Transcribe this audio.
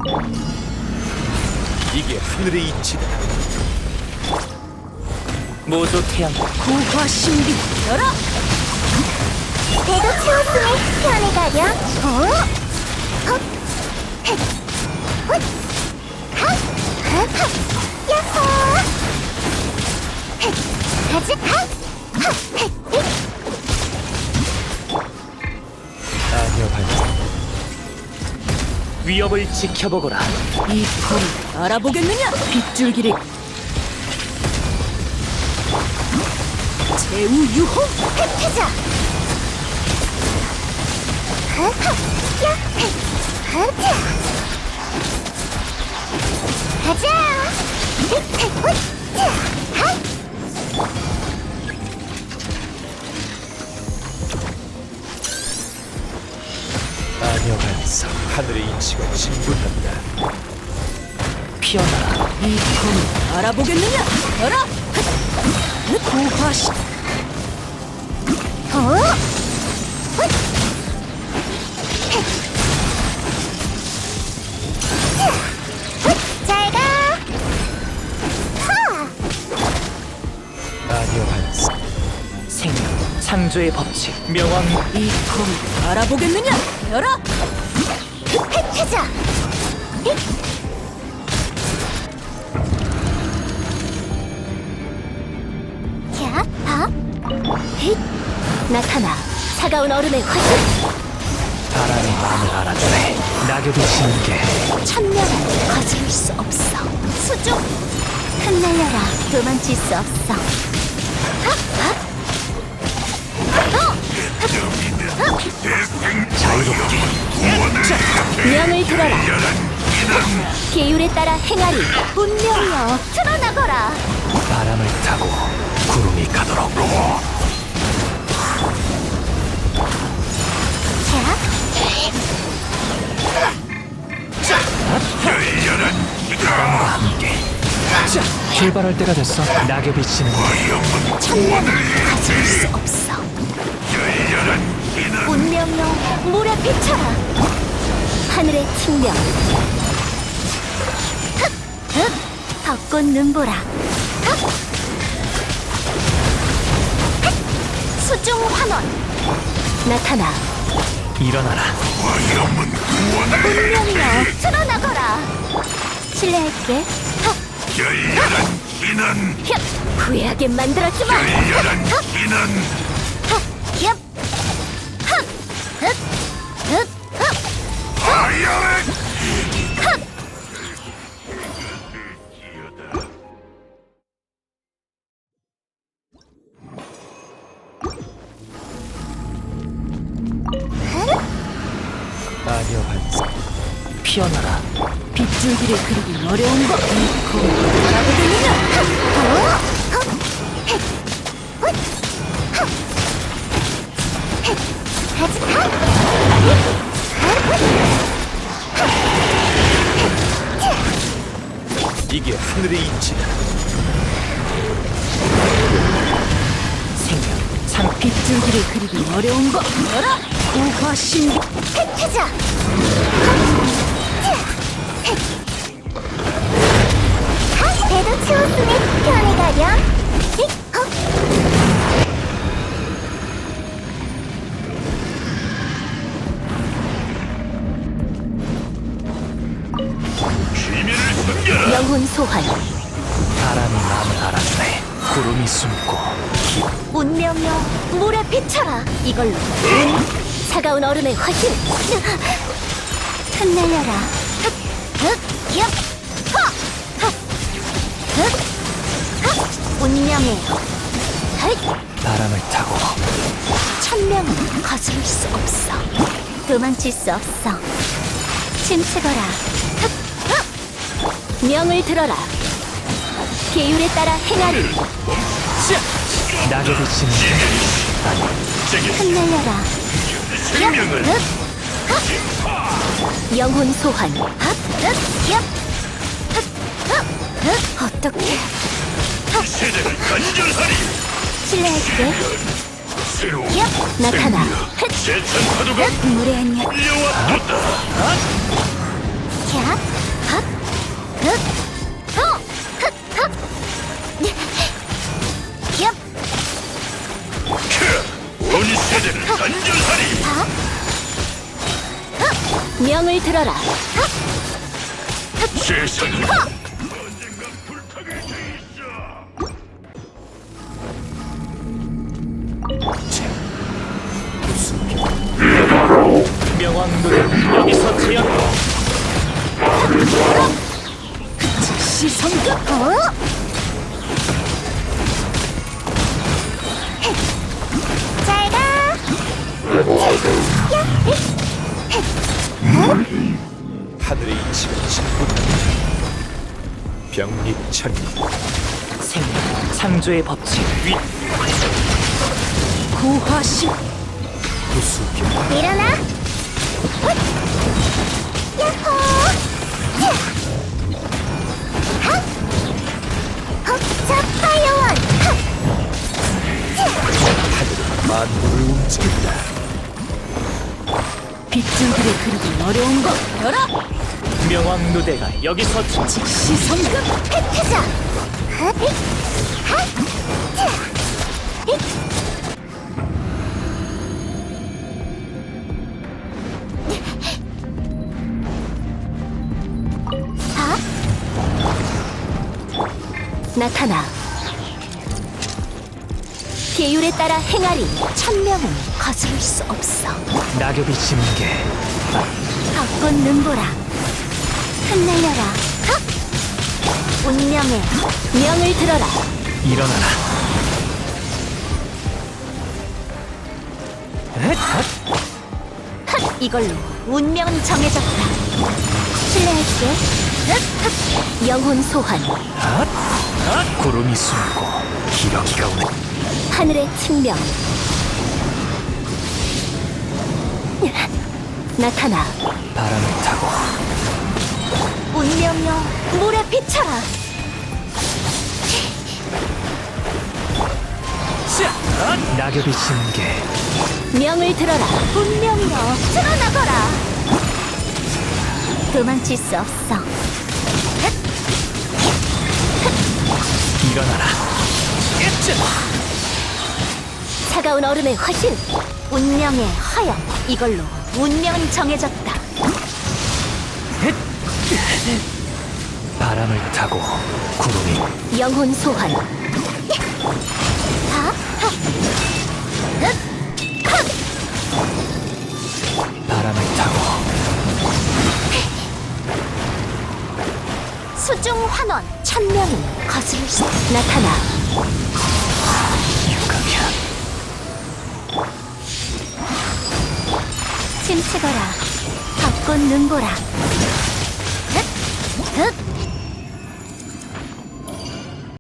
이게 하늘의 이치다. 모조 태양 고화 신비 열어. 배도 채웠으니 편히 가렴. 야호! 가자! 아니요, 반장. 위협을 지켜보거라. 이 검을 알아보겠느냐? 빗줄기를 제우 유호. 흩어져! 가자! 아니요, 반장. 하늘의 이치가 진군한다. 피어나라. 이 검을 알아보겠느냐? 열어. 고화 신 잘 가! 아니요, 반장. 생명 창조의 법칙 명왕. 이 검을 알아보겠느냐? 열어. 흩어져! 야, 봐! 힛! 나타나! 차가운 얼음의 화신! 바람이 마음을 알아주네. 낙엽이 지는 게 천년을 거스를 수 없어. 수중! 흩날려라. 도망칠 수 없어. 자유롭게. 명을 들어라. 계율에 따라 행하리. 운명이여 드러나거라. 바람을 타고 구름이 가도록. 바람과 함께. 자, 출발할 때가 됐어. 낙엽이 지는 게 천년을 거스를 수 없어. 운명이여 물에 비쳐라. 하늘의 측면. 벚꽃 눈보라. 수중 환원. 나타나. 일어나라. 운명이여 드러나거라. 실례할게. 열렬한 비난, 헙! 후회하게 만들어주마. 열렬한 비난, 헙! 흑! 흑! 흑! 흑! 화려한 아니요, 반장. 피어나라. 빗줄기를 그리기 어려운 것. 이 검을 알아보겠느냐? 이게 하늘의 이치다. 생명 창 빗줄기를 그리기 어려운 것. 열어. 고화 신비 흩어져! 배도 채웠으니 편히 가렴. 비밀을 숨겨라. 영혼 소환. 바람이 마음을 알아주네. 구름이 숨고 운명이여 물에 비쳐라. 이걸로 차가운 얼음의 화신. 흩날려라. 흑! 흑! 엽! 허! 흑! 흑! 흑! 운명의 흑! 바람을 타고 천명은 거스를 수 없어. 도망칠 수 없어. 침체거라. 흑! 흑! 명을 들어라. 계율에 따라 행하리. 낙엽이 지는 게 흩날려라. 생명을 흑! 흑! 영혼 소환. 흑! 흑! 엽! 흑! 흑! 흑! 어떻게 세대를 간절하리. 실례할게. 새로운 엽! 나타나. 흑! 재찬 파도가 물의 안녕. 밀려왔다. 캬! 명을 들어라. 세상이 명왕들은 여기서 제압. 시성급. 잘가. 하늘의 이치가 진군한다. 병립천리 생명, 창조의 법칙. 위. 고화신 구수경 일어나. 야호. 자파요원. 하늘은 만물을 움직인다. 빗줄기를 그리기 어려운 것 열어 명왕누대가 여기서 시성급 혜태자. 나타나. 계율에 따라 행하리. 천명은 거스를 수 없어. 낙엽이 지는 게 벚꽃 눈보라. 흩날려라. 운명의 명을 들어라. 일어나라. 이걸로 운명은 정해졌다. 신뢰할게. 영혼 소환. 구름이 숨고 기러기가 오네. 하늘의 측명. 나타나. 바람을 타고 운명여 물에 비쳐라. 낙엽이 지는 게 명을 들어라. 운명여 드러나거라. 도망칠 수 없어. 일어나라. 차가운 얼음의 화신. 운명의 화영. 이걸로 운명은 정해졌다. 바람을 타고 구름이 영혼 소환. 바람을 타고 수중 환원. 천명은 거스를 수. 나타나. 육각이야. 침체거라. 벚꽃 눈보라. 흑!